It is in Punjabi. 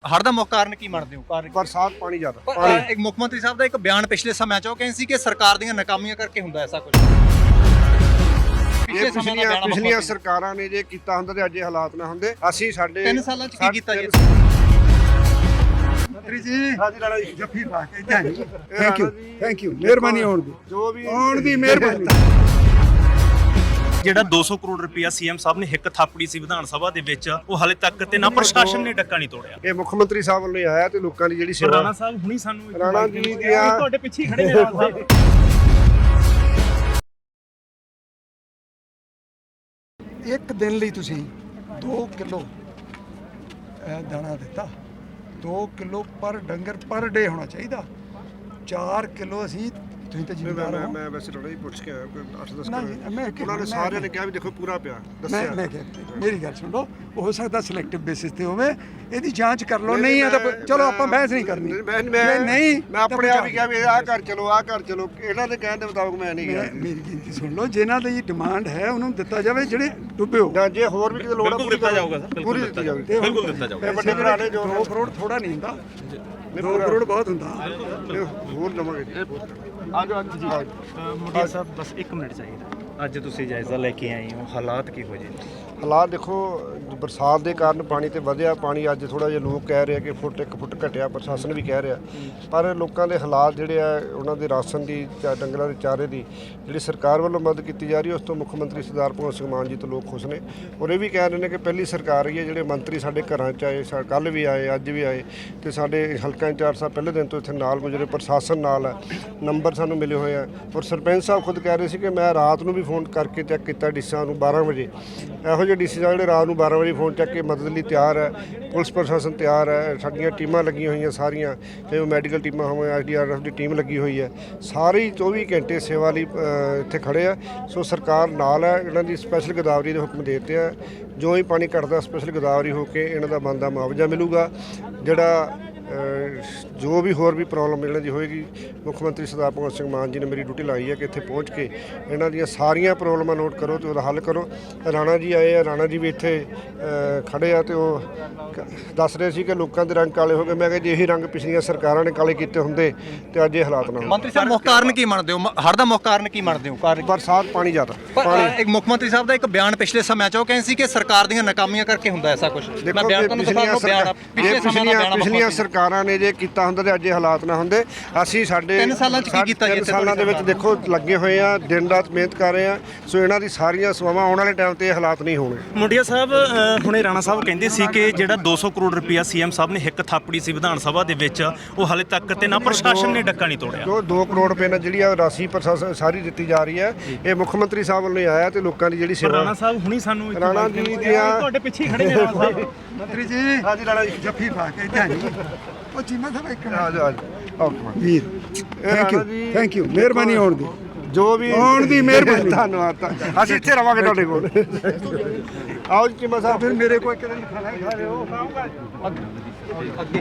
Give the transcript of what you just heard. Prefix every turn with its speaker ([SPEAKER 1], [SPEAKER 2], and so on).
[SPEAKER 1] ਹੜ੍ਹ ਦਾ ਮੁੱਖ ਕਾਰਨ ਕੀ ਮੰਨਦੇ ਹੋ?
[SPEAKER 2] ਬਰਸਾਤ ਪਾਣੀ ਜ਼ਿਆਦਾ
[SPEAKER 1] ਪਰ ਇੱਕ ਮੁੱਖ ਮੰਤਰੀ ਸਾਹਿਬ ਦਾ ਇੱਕ ਬਿਆਨ ਪਿਛਲੇ ਸਮੇਂ 'ਚ ਉਹ ਕਹਿੰਦੇ ਸੀ ਕਿ ਸਰਕਾਰ ਦੀਆਂ ਨਾਕਾਮੀਆਂ ਕਰਕੇ ਹੁੰਦਾ ਐਸਾ ਕੁਝ।
[SPEAKER 2] ਇਹ ਪਿਛਲੀਆਂ ਸਰਕਾਰਾਂ ਨੇ ਜੇ ਕੀਤਾ ਹੁੰਦਾ ਤੇ ਅੱਜ ਇਹ ਹਾਲਾਤ ਨਾ ਹੁੰਦੇ। ਅਸੀਂ ਸਾਡੇ
[SPEAKER 1] 3 ਸਾਲਾਂ 'ਚ ਕੀ ਕੀਤਾ ਜੀ?
[SPEAKER 3] ਮੰਤਰੀ ਜੀ ਹਾਂਜੀ ਰਾਣਾ ਜੀ ਜੱਫੀ ਪਾ ਕੇ ਥੈਂਕ ਯੂ ਮਿਹਰਬਾਨੀ ਹੋਣ ਦੀ
[SPEAKER 2] ਜੋ ਵੀ
[SPEAKER 3] ਆਉਣ ਦੀ ਮਿਹਰਬਾਨੀ।
[SPEAKER 4] ਜਿਹੜਾ 200 ਕਰੋੜ ਰੁਪਇਆ ਸੀਐਮ ਸਾਹਿਬ ਨੇ ਹਿੱਕ ਥਾਪੜੀ ਸੀ ਵਿਧਾਨ ਸਭਾ ਦੇ ਵਿੱਚ, ਉਹ ਹਾਲੇ ਤੱਕ ਤੇ ਨਾ ਪ੍ਰਸ਼ਾਸਨ ਨੇ ਡੱਕਾ ਨਹੀਂ ਤੋੜਿਆ।
[SPEAKER 2] ਇਹ ਮੁੱਖ ਮੰਤਰੀ ਸਾਹਿਬ ਵੱਲੋਂ ਆਇਆ ਤੇ ਲੋਕਾਂ ਦੀ ਜਿਹੜੀ ਸੇਵਾ
[SPEAKER 4] ਰਾਣਾ ਸਾਹਿਬ ਹੁਣੀ ਸਾਨੂੰ
[SPEAKER 2] ਰਾਣਾ ਜੀ ਦੀਆਂ
[SPEAKER 4] ਤੁਹਾਡੇ ਪਿੱਛੇ ਹੀ ਖੜੇ ਨੇ ਰਾਣਾ ਸਾਹਿਬ।
[SPEAKER 3] ਇੱਕ ਦਿਨ ਲਈ ਤੁਸੀਂ 2 ਕਿਲੋ ਦਾਣਾ ਦਿੱਤਾ। 2 ਕਿਲੋ ਪਰ ਡੰਗਰ ਪਰ ਡੇ ਹੋਣਾ ਚਾਹੀਦਾ। 4 ਕਿਲੋ ਅਸੀਂ ਤੁਸੀਂ ਤਾਂ ਜ਼ਿੰਮੇਵਾਰ ਹੋ।
[SPEAKER 2] ਮੈਂ ਵੈਸੇ ਥੋੜਾ ਹੀ ਪੁੱਛ ਕੇ ਆਇਆ ਕੋਈ 8-10
[SPEAKER 3] ਨਹੀਂ, ਮੈਂ
[SPEAKER 2] ਉਹਨਾਂ ਨੇ ਸਾਰਿਆਂ ਨੇ ਕਿਹਾ ਵੀ ਦੇਖੋ ਪੂਰਾ ਪਿਆ ਦੱਸਿਆ।
[SPEAKER 3] ਮੈਂ ਮੇਰੀ ਗੱਲ ਸੁਣ ਲਓ, ਹੋ ਸਕਦਾ ਸਿਲੈਕਟਿਵ ਬੇਸਿਸ ਤੇ ਹੋਵੇ, ਇਹਦੀ ਜਾਂਚ ਕਰ ਲਓ। ਨਹੀਂ ਆ ਤਾਂ ਚਲੋ ਆਪਾਂ ਬਹਿਸ ਨਹੀਂ ਕਰਨੀ। ਨਹੀਂ
[SPEAKER 2] ਮੈਂ ਆਪਣੇ ਆਪ ਹੀ ਕਿਹਾ ਵੀ ਆਹ ਕਰ ਚਲੋ ਆਹ ਕਰ ਚਲੋ, ਇਹਨਾਂ ਦੇ ਕਹਿਣ ਦੇ ਮੁਤਾਬਕ ਮੈਂ ਨਹੀਂ ਗਿਆ।
[SPEAKER 3] ਮੇਰੀ ਗਿਣਤੀ ਸੁਣ ਲਓ, ਜਿਨ੍ਹਾਂ ਦੀ ਡਿਮਾਂਡ ਹੈ ਉਹਨੂੰ ਦਿੱਤਾ ਜਾਵੇ, ਜਿਹੜੇ ਡੁੱਬੇ ਹੋ।
[SPEAKER 2] ਜਾਂ ਜੇ ਹੋਰ ਵੀ ਕਿਤੇ ਲੋੜ ਆ
[SPEAKER 4] ਬਿਲਕੁਲ ਦਿੱਤਾ ਜਾਊਗਾ ਸਰ,
[SPEAKER 2] ਪੂਰੀ ਦਿੱਤੀ ਜਾਊਗੀ।
[SPEAKER 4] ਬਿਲਕੁਲ ਦਿੱਤਾ ਜਾਊਗਾ।
[SPEAKER 2] ਵੱਡੇ ਭਰਾ ਨੇ ਜੋ
[SPEAKER 3] 2 ਕਰੋੜ ਥੋੜਾ ਨਹੀਂ ਹੁੰਦਾ, 2 ਕਰੋੜ ਬਹੁਤ ਹੁੰਦਾ।
[SPEAKER 2] ਹੋਰ ਲਵਾਂਗੇ
[SPEAKER 4] ਮੁੰਡਿਆ ਸਾਹਿਬ ਬਸ 1 ਮਿੰਟ ਚਾਹੀਦਾ। ਅੱਜ ਤੁਸੀਂ ਜਾਇਜ਼ਾ ਲੈ ਕੇ ਆਏ ਹੋ, ਹਾਲਾਤ ਕੀ ਹੋ ਜੇ?
[SPEAKER 2] ਹਾਲਾਤ ਦੇਖੋ, ਬਰਸਾਤ ਦੇ ਕਾਰਨ ਪਾਣੀ ਤੇ ਵਧਿਆ। ਪਾਣੀ ਅੱਜ ਥੋੜਾ ਜਿਹਾ ਲੋਕ ਕਹਿ ਰਹੇ ਕਿ 1 ਫੁੱਟ ਘਟਿਆ, ਪ੍ਰਸ਼ਾਸਨ ਵੀ ਕਹਿ ਰਿਹਾ, ਪਰ ਲੋਕਾਂ ਦੇ ਹਾਲਾਤ ਜਿਹੜੇ ਆ, ਉਹਨਾਂ ਦੇ ਰਾਸ਼ਨ ਦੀ ਜਾਂ ਡੰਗਰਾਂ ਦੇ ਚਾਰੇ ਦੀ ਜਿਹੜੀ ਸਰਕਾਰ ਵੱਲੋਂ ਮਦਦ ਕੀਤੀ ਜਾ ਰਹੀ ਹੈ, ਉਸ ਤੋਂ ਮੁੱਖ ਮੰਤਰੀ ਸਰਦਾਰ ਭਗਵੰਤ ਸਿੰਘ ਮਾਨ ਜੀ ਤੋਂ ਲੋਕ ਖੁਸ਼ ਨੇ। ਔਰ ਇਹ ਵੀ ਕਹਿ ਰਹੇ ਨੇ ਕਿ ਪਹਿਲੀ ਸਰਕਾਰ ਹੀ ਹੈ ਜਿਹੜੇ ਮੰਤਰੀ ਸਾਡੇ ਘਰਾਂ 'ਚ ਆਏ, ਕੱਲ੍ਹ ਵੀ ਆਏ, ਅੱਜ ਵੀ ਆਏ, ਤੇ ਸਾਡੇ ਹਲਕਾ ਇੰਚਾਰਜ ਸਾਹਿਬ ਪਹਿਲੇ ਦਿਨ ਤੋਂ ਇੱਥੇ ਨਾਲ ਗੁਜ਼ਰੇ, ਪ੍ਰਸ਼ਾਸਨ ਨਾਲ ਹੈ, ਨੰਬਰ ਸਾਨੂੰ ਮਿਲੇ ਹੋਏ ਆ। ਔਰ ਸਰਪੰਚ ਸਾਹਿਬ ਖੁਦ ਕਹਿ ਰਹੇ ਸੀ ਕਿ ਮੈਂ ਰਾਤ ਨੂੰ ਵੀ ਫੋਨ ਕਰਕੇ ਚੈੱਕ ਕੀਤਾ ਡੀਸਾਂ ਨੂੰ 12 ਵਜੇ। ਇਹੋ ਜਿਹੇ ਡੀਸੀ ਜਿਹੜੇ ਰਾਤ ਨੂੰ 12 ਵਜੇ ਫੋਨ ਚੱਕ ਕੇ ਮਦਦ ਲਈ ਤਿਆਰ ਹੈ। ਪੁਲਿਸ ਪ੍ਰਸ਼ਾਸਨ ਤਿਆਰ ਹੈ, ਸਾਡੀਆਂ ਟੀਮਾਂ ਲੱਗੀਆਂ ਹੋਈਆਂ ਸਾਰੀਆਂ, ਚਾਹੇ ਉਹ ਮੈਡੀਕਲ ਟੀਮਾਂ ਹੋਣ, SDRF ਦੀ ਟੀਮ ਲੱਗੀ ਹੋਈ ਹੈ, ਸਾਰੇ 24 ਘੰਟੇ ਸੇਵਾ ਲਈ ਇੱਥੇ ਖੜੇ ਆ। ਸੋ ਸਰਕਾਰ ਨਾਲ ਹੈ, ਇਹਨਾਂ ਦੀ ਸਪੈਸ਼ਲ ਗੋਦਾਵਰੀ ਦੇ ਹੁਕਮ ਦੇ ਦਿੱਤੇ ਆ। ਜੋ ਹੀ ਪਾਣੀ ਘਟਦਾ ਸਪੈਸ਼ਲ ਗੋਦਾਵਰੀ ਹੋ ਕੇ ਇਹਨਾਂ ਦਾ ਬਣਦਾ ਮੁਆਵਜ਼ਾ ਮਿਲੂਗਾ। ਜਿਹੜਾ ਜੋ ਵੀ ਹੋਰ ਵੀ ਪ੍ਰੋਬਲਮ ਇਹਨਾਂ ਦੀ ਹੋਏਗੀ, ਮੁੱਖ ਮੰਤਰੀ ਸਰਦਾਰ ਭਗਵੰਤ ਸਿੰਘ ਮਾਨ ਜੀ ਨੇ ਮੇਰੀ ਡਿਊਟੀ ਲਾਈ ਹੈ ਕਿ ਇੱਥੇ ਪਹੁੰਚ ਕੇ ਇਹਨਾਂ ਦੀਆਂ ਸਾਰੀਆਂ ਪ੍ਰੋਬਲਮਾਂ ਨੋਟ ਕਰੋ ਤੇ ਉਹਦਾ ਹੱਲ ਕਰੋ। ਰਾਣਾ ਜੀ ਆਏ ਆ, ਰਾਣਾ ਜੀ ਵੀ ਇੱਥੇ ਖੜੇ ਆ ਤੇ ਉਹ ਦੱਸ ਰਹੇ ਸੀ ਕਿ ਲੋਕਾਂ ਦੇ ਰੰਗ ਕਾਲੇ ਹੋ ਗਏ। ਮੈਂ ਕਿਹਾ ਜੇ ਇਹੀ ਰੰਗ ਪਿਛਲੀਆਂ ਸਰਕਾਰਾਂ ਨੇ ਕਾਲੇ ਕੀਤੇ ਹੁੰਦੇ ਤੇ ਅੱਜ ਇਹ ਹਾਲਾਤ ਨਾ ਹੁੰਦੇ।
[SPEAKER 1] ਮੰਤਰੀ ਸਾਹਿਬ ਮੁੱਖ ਕਾਰਨ ਕੀ ਮੰਨਦੇ ਹੋ? ਹੜ੍ਹ ਦਾ ਮੁੱਖ ਕਾਰਨ ਕੀ ਮੰਨਦੇ ਹੋ?
[SPEAKER 2] ਬਰਸਾਤ ਪਾਣੀ ਜ਼ਿਆਦਾ
[SPEAKER 1] ਪਰ ਇੱਕ ਮੁੱਖ ਮੰਤਰੀ ਸਾਹਿਬ ਦਾ ਇੱਕ ਬਿਆਨ ਪਿਛਲੇ ਸਮੇਂ 'ਚ ਉਹ ਕਹਿੰਦੇ ਸੀ ਕਿ ਸਰਕਾਰ ਦੀਆਂ ਨਾਕਾਮੀਆਂ ਕਰਕੇ ਹੁੰਦਾ ਐਸਾ ਕੁਝ।
[SPEAKER 2] ਦੇਖੋ ਪਿਛਲੀਆਂ ਸਰਕਾਰਾਂ ਨੇ ਜੇ ਕੀਤਾ ਹੁੰਦਾ ਤੇ ਅੱਜ ਇਹ ਹਾਲਾਤ ਨਾ ਹੁੰਦੇ। ਅਸੀਂ ਸਾਡੇ
[SPEAKER 1] 3 ਸਾਲਾਂ 'ਚ ਕੀ ਕੀਤਾ?
[SPEAKER 2] 3 ਸਾਲਾਂ ਦੇ ਵਿੱਚ ਦੇਖੋ ਲੱਗੇ ਹੋਏ ਆ, ਦਿਨ ਰਾਤ ਮਿਹਨਤ ਕਰ ਰਹੇ ਆ। ਸੋ ਇਹਨਾਂ ਦੀ ਸਾਰੀਆਂ ਸੇਵਾਵਾਂ ਆਉਣ ਵਾਲੇ ਟਾਈਮ ਤੇ ਇਹ ਹਾਲਾਤ ਨਹੀਂ ਹੋਣੇ।
[SPEAKER 4] ਮੁੰਡਿਆ ਸਾਹਿਬ ਹੁਣੇ ਰਾਣਾ ਸਾਹਿਬ ਕਹਿੰਦੇ ਸੀ ਕਿ ਜਿਹੜਾ 200 ਕਰੋੜ ਰੁਪਇਆ ਸੀਐਮ ਸਾਹਿਬ ਨੇ ਹਿੱਕ ਥਾਪੜੀ ਸੀ ਵਿਧਾਨ ਸਭਾ ਦੇ ਵਿੱਚ, ਉਹ ਹਾਲੇ ਤੱਕ ਤੇ ਨਾ ਪ੍ਰਸ਼ਾਸਨ ਨੇ ਡੱਕਾ ਨਹੀਂ ਤੋੜਿਆ।
[SPEAKER 2] ਜੋ 2 ਕਰੋੜ ਰੁਪਏ ਨਾਲ ਜਿਹੜੀ ਆ ਰਾਸ਼ੀ ਪ੍ਰਸ਼ਾਸਨ ਸਾਰੀ ਦਿੱਤੀ ਜਾ ਰਹੀ ਹੈ, ਇਹ ਮੁੱਖ ਮੰਤਰੀ ਸਾਹਿਬ ਵੱਲੋਂ ਆਇਆ ਤੇ ਲੋਕਾਂ ਦੀ ਜਿਹੜੀ ਸੇਵਾ।
[SPEAKER 4] ਰਾਣਾ ਸਾਹਿਬ ਹੁਣੀ ਸਾਨੂੰ
[SPEAKER 2] ਰਾਣਾ ਜੀ ਦੀਆਂ
[SPEAKER 4] ਤੁਹਾਡੇ ਪਿੱਛੇ ਹੀ ਖੜੇ ਨੇ ਰਾਣਾ ਸਾਹਿਬ।
[SPEAKER 3] ਮੰਤਰੀ ਜੀ
[SPEAKER 2] ਹਾਂਜੀ ਰਾਣਾ ਜੀ
[SPEAKER 3] ਜੱਫੀ ਪਾ ਕੇ ਉਹ ਚੀਮਾ ਸਾਹਿਬ ਇੱਕ
[SPEAKER 2] ਆ ਜਾਓ
[SPEAKER 3] ਵੀਰ ਥੈਂਕ ਯੂ ਮਿਹਰਬਾਨੀ ਹੋਣ ਦੀ
[SPEAKER 2] ਜੋ ਵੀ
[SPEAKER 3] ਆਉਣ ਦੀ ਮਿਹਰਬਾਨੀ।
[SPEAKER 2] ਧੰਨਵਾਦ। ਅਸੀਂ ਇੱਥੇ ਰਵਾਂਗੇ ਤੁਹਾਡੇ ਕੋਲ। ਆਓ ਜੀ ਚੀਮਾ ਸਾਹਿਬ।
[SPEAKER 3] ਫਿਰ ਮੇਰੇ ਕੋਲ ਇੱਕ ਦਿਨ ਖਾਣਾ ਖਾ ਲਿਓ।